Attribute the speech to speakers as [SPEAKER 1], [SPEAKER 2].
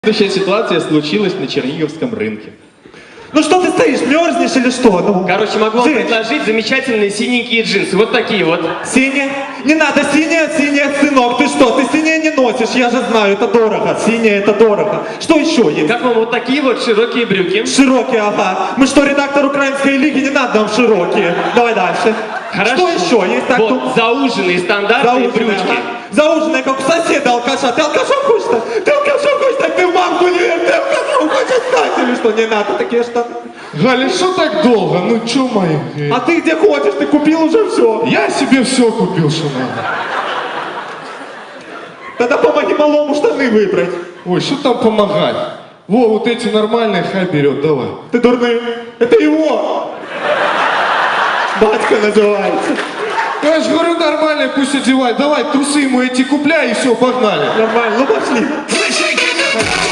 [SPEAKER 1] Следующая ситуация случилась на Черниговском рынке.
[SPEAKER 2] Ну что ты стоишь, мерзнешь или что? Ну,
[SPEAKER 3] Короче, могу вам
[SPEAKER 2] Жень,
[SPEAKER 3] предложить замечательные синенькие джинсы. Вот такие вот.
[SPEAKER 2] Синяя? Не надо синяя, сынок, ты что? Ты синяя не носишь, я же знаю, это дорого. Синяя это дорого. Что еще есть?
[SPEAKER 3] Как вам вот такие вот широкие брюки?
[SPEAKER 2] Широкие, ага. Мы что, редактор украинской лиги, не надо нам широкие. Давай дальше.
[SPEAKER 3] Хорошо.
[SPEAKER 2] Что еще есть? Так,
[SPEAKER 3] вот
[SPEAKER 2] ну,
[SPEAKER 3] зауженные стандартные
[SPEAKER 2] зауженные,
[SPEAKER 3] брючки.
[SPEAKER 2] ага. Зауженные, как у соседа алкаша. Ты алкашом хочешь? Ты алкашом хочешь? Так ты в мамку не верь, ты алкашом хочешь стать или что? Не надо такие штаны.
[SPEAKER 4] Галя, что так долго? Ну чё мои?
[SPEAKER 2] А ты где ходишь? Ты купил уже все.
[SPEAKER 4] Я себе все купил, что надо.
[SPEAKER 2] Тогда помоги малому штаны выбрать.
[SPEAKER 4] Ой, что там помогать? Во, вот эти нормальные хай берет, давай.
[SPEAKER 2] Ты дурный. Это его. Батька называется.
[SPEAKER 4] Я же говорю, нормальные, пусть одевает. Давай, трусы ему эти купляй и все, погнали.
[SPEAKER 2] Нормально, ну пошли.